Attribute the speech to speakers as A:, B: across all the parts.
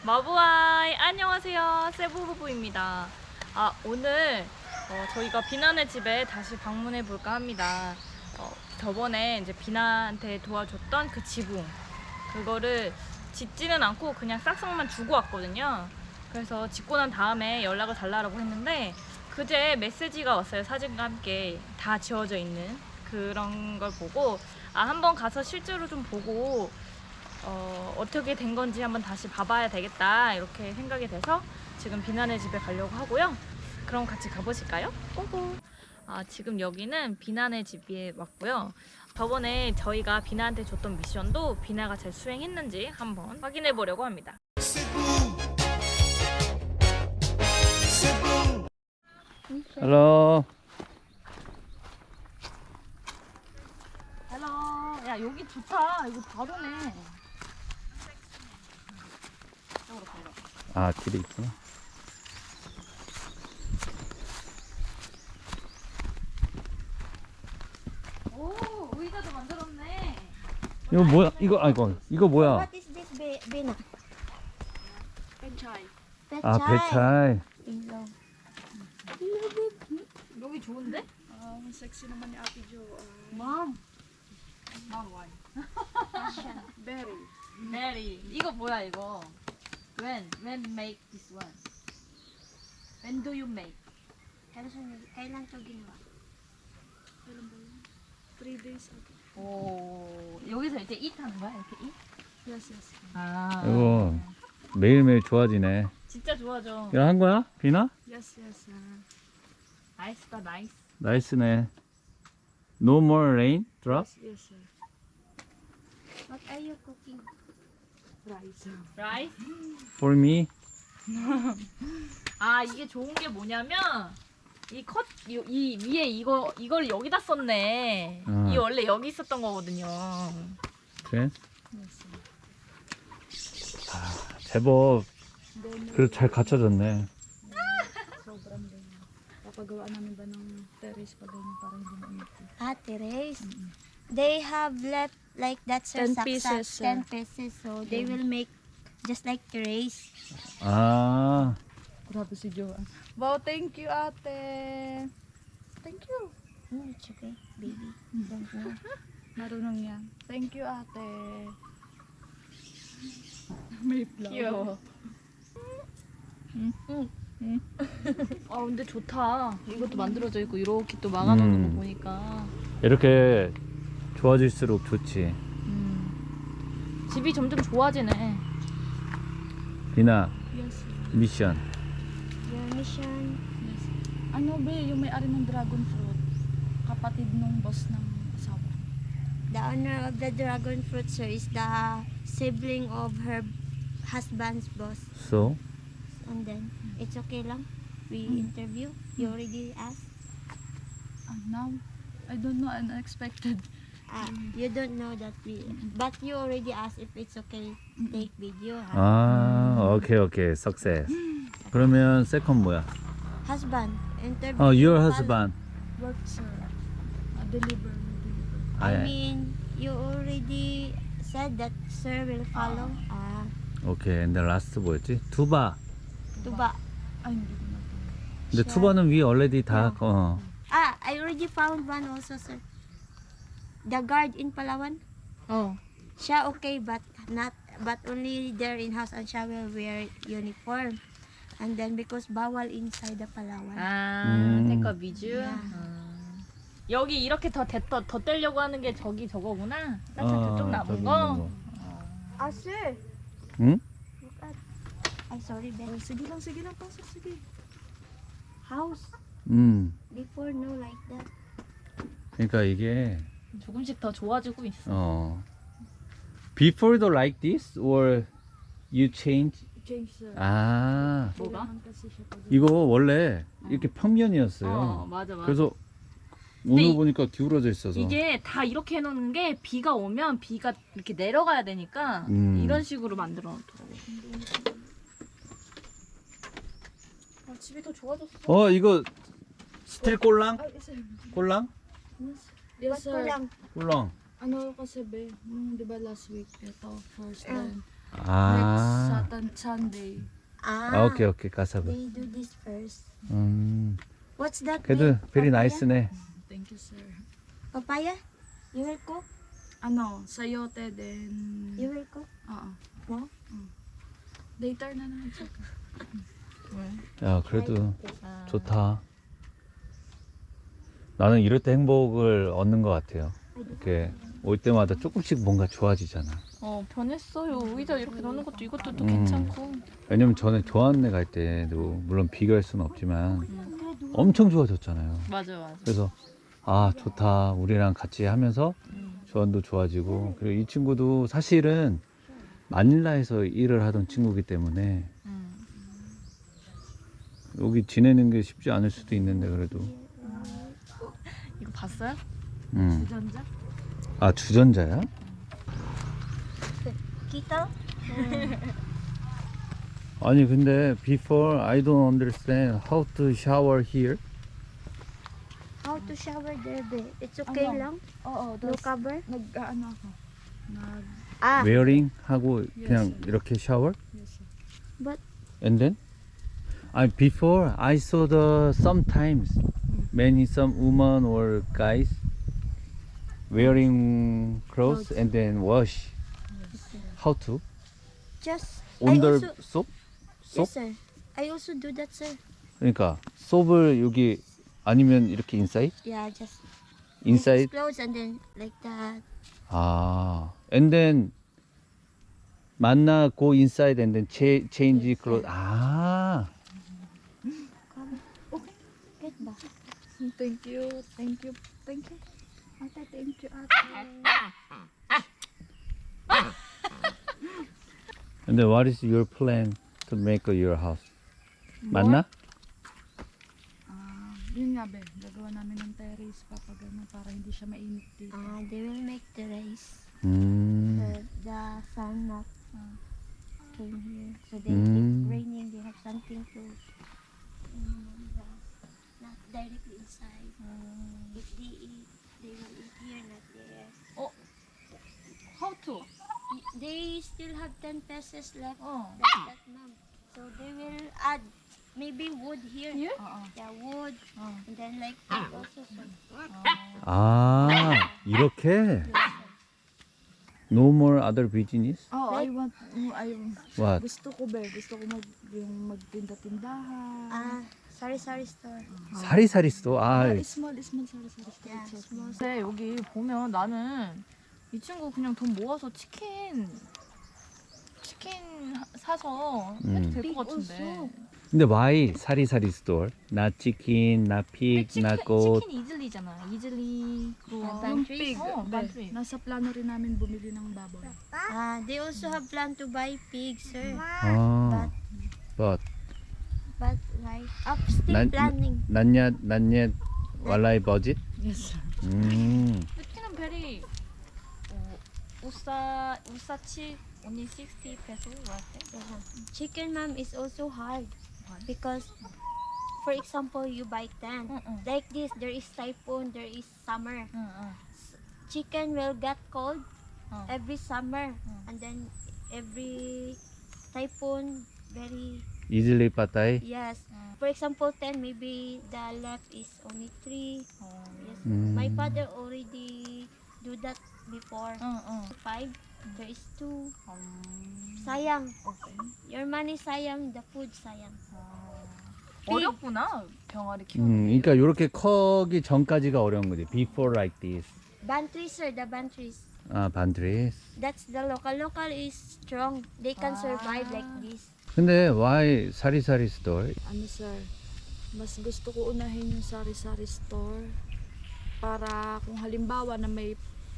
A: 마부아이 안녕하세요, 세부부부입니다. 오늘 저희가 비나네 집에 다시 방문해 볼까 합니다. 저번에 이제 비나한테 도와줬던 그 지붕, 그거를 짓지는 않고 그냥 싹싹만 주고 왔거든요. 그래서 짓고 난 다음에 연락을 달라고 했는데 그제 메시지가 왔어요. 사진과 함께 다 지워져 있는 그런 걸 보고 한번 가서 실제로 좀 보고 어떻게 된 건지 한번 다시 봐봐야 되겠다 이렇게 생각이 돼서 지금 비나네 집에 가려고 하고요. 그럼 같이 가보실까요? 고고. 지금 여기는 비나네 집에 왔고요. 저번에 저희가 비나한테 줬던 미션도 비나가 잘 수행했는지 한번 확인해 보려고 합니다.
B: Hello.
A: 헬로. 야, 여기 좋다. 이거 바로네.
B: 길이 있구나.
A: 오, 의자도 만들었네.
B: 이거 뭐야? 이거 뭐야?
C: What is this, Bina?
A: 벤차이.
B: 배차이.
A: 여기 좋은데?
D: Sexy naman ni Ate Jo.
A: Mom. Mom why?
D: Berry.
A: 메리. 이거 뭐야 이거? When make this one? When do you make?
C: Kailan to ginawa?
D: Kailan ba yun? 3 days ago.
A: 오, 여기서 이제 eat 하는 거야? 이렇게 eat?
D: Yes, yes.
B: 이거 매일매일 좋아지네.
A: 진짜 좋아져.
B: 이거 한 거야? 비나?
D: Yes, yes.
A: 나이스다, 나이스.
B: 나이스네. No more rain drop?
D: Yes, sir.
C: What are you cooking?
D: Rice.
A: 라이스?
B: For me?
A: 이게 좋은 게 뭐냐면 이 위에 이걸 여기다 썼네. 이 원래 여기 있었던 거거든요.
B: 그래?
D: Yes, sir.
B: 제법 그래도 잘 갖춰졌네.
D: Sobrang ganyan. Papagawa namin ba ng terrace pa ganyan para hindi mainit.
C: Terrace. They have left like that, sir.
D: 10 pieces, sir.
C: 10 pieces. So they will make just like terrace.
D: Grabe si Joanne. Wow, thank you, ate. Thank you.
C: It's okay, baby. Don't know.
D: Marunong yan. Thank you, ate. May flower.
A: 귀여워. 근데 좋다. 이것도 만들어져 있고 이렇게 또 막아놓는 거 보니까
B: 이렇게 좋아질수록 좋지.
A: 집이 점점 좋아지네.
B: 비나
D: Yes.
B: 미션.
C: Your mission.
D: Yes. Ano ba yung may-ari ng dragon fruit? Kapatid nung boss ng asawa.
C: The owner of the dragon fruit, sir, is the sibling of her husband's boss.
B: So?
C: And then, it's okay lang. We interview. You already asked.
D: Now, I don't know, unexpected.
C: You don't know that but you already asked if it's okay take video.
B: 오케이. Success. 그러면 세컨 뭐야?
C: Husband, interview.
B: Your husband.
D: Work, sir. Deliver.
C: I mean, you already said that sir will follow.
B: 오케이. 근데 라스트 뭐였지? 투바.
C: Tuba.
D: Ay, hindi ko na to.
B: 근데 투바는 위 already 다
C: I already found one also, sir. The guard in Palawan. Siya okay, but only there in house and siya will wear uniform. And then because bawal inside the Palawan.
A: 테이크 위주.
C: Yeah.
A: 여기 이렇게 더 떼려고 하는 게 저거구나. 딱 저쪽 남은
B: 저기
A: 거.
B: 있는 거.
C: Sir.
B: 응?
C: Look at. Ay, sorry, Ben.
D: Sige lang, pasok, sige.
C: House. Before, no like that.
B: 그러니까 이게
A: 조금씩 더 좋아지고 있어.
B: Before like this or you change?
D: Change, sir.
A: 뭐가?
D: Kailangan kasi siya pag-
B: 이거 원래 이렇게 평면이었어요.
A: 맞아.
B: 그래서 오늘
A: 근데
B: 보니까 기울어져 있어서.
A: 이게 다 이렇게 해놓는 게 비가 오면 비가 이렇게 내려가야 되니까 이런 식으로 만들어 놓더라고. 집이 더 좋아졌어.
B: 이거 스틸 꼴랑?
D: Ay, sir.
B: 꼴랑?
D: Yes, sir.
C: Lang.
B: 꼴랑.
D: Ano kasi be, nung di ba last week, ito, first
C: Ah.
D: time,
B: 아,
D: Sunday.
B: 아, 오케이, 까사바.
C: They do this first. What's that?
B: 그래도
C: name?
B: very
C: Papaya?
B: nice네.
D: Thank you, sir.
C: Papaya? You will cook?
D: Ano, sayote then...
C: You will cook?
D: Oo.
C: No?
D: Later na naman siya.
B: 야, 그래도
A: 아,
B: 좋다. 나는 이럴 때 행복을 얻는 것 같아요. 이렇게 올 때마다 조금씩 뭔가 좋아지잖아.
A: 변했어요. 의자 이렇게 놓는 것도 이것도 또
B: 음.
A: 괜찮고.
B: 왜냐면 저는 좋아하는 데 갈 때도 물론 비교할 수는 없지만 엄청 좋아졌잖아요.
A: 맞아.
B: 그래서 아, 좋다. 우리랑 같이 하면서 조언도 좋아지고, 그리고 이 친구도 사실은 마닐라에서 일을 하던 친구이기 때문에 여기 지내는 게 쉽지 않을 수도 있는데 그래도
A: 이거 봤어요?
D: Jujanza?
B: 아, 주전자야?
C: Kita?
B: 아니 근데 before I don't understand how to shower here.
C: How to shower there, be? It's okay
D: Ano?
C: lang?
D: Oo,
C: No cover?
D: nag-ano ako. Nag...
C: Ah,
B: wearing 하고
D: Yes,
B: 그냥
D: sir.
B: 이렇게 shower?
D: Yes, sir.
C: but
B: And then before I saw the sometimes some women or guys wearing clothes and then wash. How to?
C: just...
B: under
C: I also...
B: soap?
C: Yes, sir. I also do that, sir.
B: 그러니까 소업을 여기 아니면 이렇게 inside?
C: Yeah, just...
B: inside?
C: Clothes and then like that.
B: 아, and then 만나 go inside and then change clothes. 아,
C: Get ba?
D: Thank you. Ate, thank you, ate.
B: and then what is your plan to make your house? 만나?
D: Yun nga, be. Gagawa namin ng terrace para hindi siya mainit dito.
C: They will make the rice.
B: 음,
C: The sun not came here. So they,
B: Mm.
C: if raining, they have something to... not directly inside. If they eat, they will eat here, not there.
A: How to?
C: They still have 10 pesos left.
A: 어.
C: That's that, ma'am. So they will add maybe wood here.
A: Here?
D: Oo.
C: Yeah, wood. And then like that also. So.
B: 아, 이렇게? No more other business?
D: Oh,
C: Like-
B: What?
D: gusto ko yung magtinda-tindahan.
C: Sari-sari store.
B: 사리사리 store? 아,
D: small store.
C: Yeah, small.
A: 근데 여기 보면 나는 이 친구 그냥 돈 모아서 치킨 사서 해도 될 것 같은데.
B: 근데 why 사리사리 store? not chicken, not pig, not goat.
A: 치킨 이즐리잖아. 이즐리
C: Yeah,
A: 그
C: pantry.
A: 반트리.
D: Nasa plano rin namin bumili ng baboy.
C: They also have plan to buy pigs, sir.
B: 아, but
C: But like, still
B: 난-
C: planning.
B: not yet walai budget?
D: Yes.
A: 치킨은 베리 우사치 only 60 pesos right?
C: Yeah. Chicken, ma'am, is also hard because, for example, you buy 10. Like this, there is typhoon, there is summer. Chicken will get cold every summer, and then every typhoon, very
B: easily patay.
C: yes. For example, 10, maybe the left is only 3. Yes.
B: Mm.
C: My father already do that before. 5, there is 2. Sayang. Your money sayang, the food sayang.
A: 어렵구나 병아리 키우는 게.
B: 그러니까 이렇게 커기 전까지가 어려운 거지. Before like this.
C: Bantries, sir, the bantries.
B: 아, 반드레스.
C: That's the local. Local is strong. They can survive like this.
B: 근데 why 사리사리 store?
D: Ano, sir? Mas gusto ko unahin yung sari-sari store para kung halimbawa na may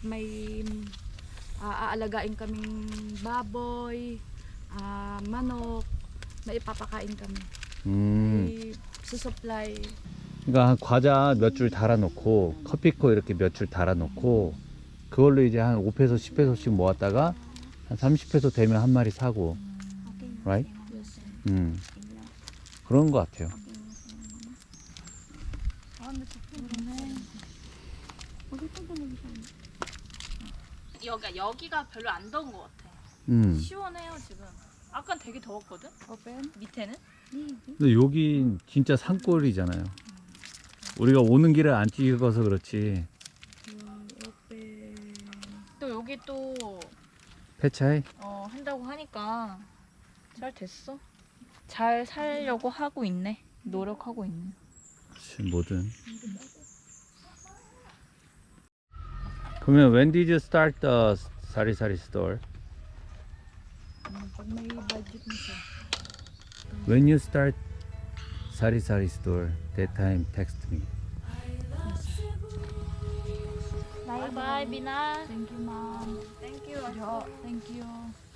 D: aaalagain kaming baboy, manok, maipapakain kami. Susupply.
B: 그러니까 과자 몇 줄 달아놓고 커피코 이렇게 몇 줄 달아놓고 그걸로 이제 한 5페소 10페소씩 모았다가 한 30페소 되면 한 마리 사고,
C: Okay.
B: right?
D: Yes, sir.
B: 그런 것 같아요.
A: 여기가 별로 안 더운 것 같아. 시원해요 지금. 아까 되게 더웠거든.
D: Open.
A: 밑에는.
B: 근데 여기 진짜 산골이잖아요. 우리가 오는 길을 안 찍어서 그렇지.
D: Open.
A: 또 여기 또
B: 폐차해?
A: 한다고 하니까 잘 됐어. 잘 살려고 하고 있네. 노력하고 있네.
B: 그치, 뭐든. 그러면 when did you start the 사리사리 store?
D: Pag may budget mo siya.
B: When you start 사리사리 store, that time text me.
A: Bye bye, Bina.
D: Thank you, ma'am.
A: Thank you.
D: Jo, thank you.